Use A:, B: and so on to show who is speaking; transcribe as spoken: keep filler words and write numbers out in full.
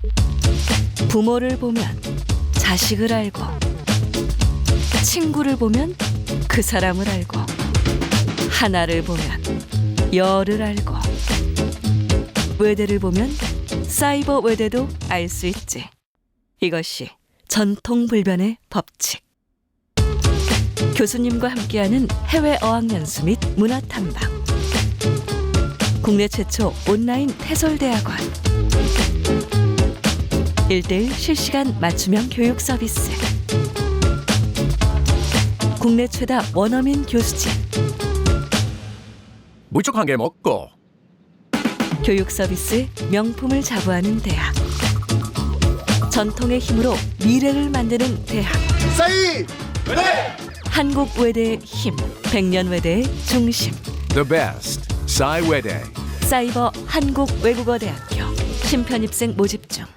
A: 부모를 보면 자식을 알고, 친구를 보면 그 사람을 알고, 하나를 보면 열을 알고, 외대를 보면 사이버 외대도 알 수 있지. 이것이 전통불변의 법칙. 교수님과 함께하는 해외 어학연수 및 문화탐방. 국내 최초 온라인 태솔대학원. 일대일 실시간 맞춤형 교육 서비스. 국내 최다 원어민 교수진.
B: 무척 한 개 먹고.
A: 교육 서비스 명품을 자부하는 대학. 전통의 힘으로 미래를 만드는 대학.
C: 싸이 외대
A: 한국 외대의 힘, 백년 외대의 중심.
B: The best. 싸이웨대.
A: 사이버 한국외국어대학교. 신편입생 모집